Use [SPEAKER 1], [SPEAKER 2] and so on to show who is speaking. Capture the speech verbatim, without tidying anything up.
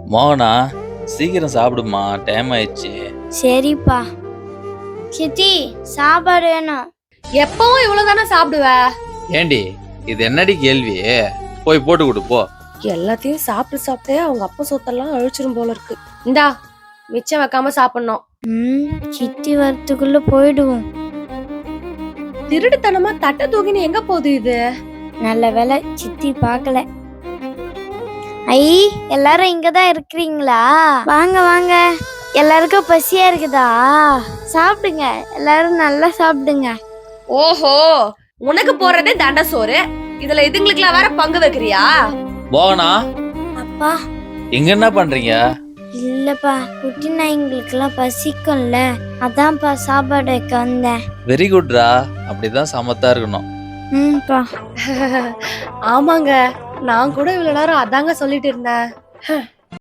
[SPEAKER 1] மோகனா, சீக்கிரம் சாப்பிடுமா, டைம் ஆயிடுச்சு.
[SPEAKER 2] சரிப்பா. சித்தி சாப்பாடு வேணும்.
[SPEAKER 3] எப்பவும் இவ்வளவுதானே சாப்பிடுவ?
[SPEAKER 1] ஏண்டி இது என்னடி கேள்வி? போய் போட்டு கொடு போ.
[SPEAKER 3] எல்லாத்தையும் சாப்பிட்டு சாப்பிட்டே அவங்க அப்பா சொத்தெல்லாம் அழிச்சிரும் போல இருக்கு. இந்தா மிச்சம் வைக்காம சாப்பிடணும்.
[SPEAKER 2] ம் சித்தி வரத்துக்குள்ள போயிடுவோம்.
[SPEAKER 3] திருடுத்தனமா தட்டை தூக்கின்னு எங்க போகுது இது?
[SPEAKER 2] நல்ல வேலை சித்தி பார்க்கல. ஐ, எல்லாரும் இங்கதான் இருக்கிறீங்களா? வாங்க வாங்க. எல்லாருக்கும் பசியா இருக்குதா? சாப்பிடுங்க, எல்லாரும் நல்லா சாப்பிடுங்க.
[SPEAKER 3] ஓஹோ, உனக்கு போறதே தண்ட சோறு, இதுல இதுங்களுக்குலாம் வேற பங்கு வைக்கிறியா?
[SPEAKER 1] மோகனா,
[SPEAKER 2] அப்பா.
[SPEAKER 1] இங்க என்ன பண்றீங்க?
[SPEAKER 2] இல்லப்பா, குட்டி நாய்ங்களுக்கு எல்லாம் பசிக்கும்ல, அதான்ப்பா சாப்பாடு வைக்க வந்தேன்.
[SPEAKER 1] வெரி குட்ரா, அப்படிதான் சமத்தா இருக்கணும்.
[SPEAKER 2] ம்ப்பா.
[SPEAKER 3] ஆமாங்க, நான் கூட இவ்வளவு நேரம் அதாங்க சொல்லிட்டு இருந்தேன்.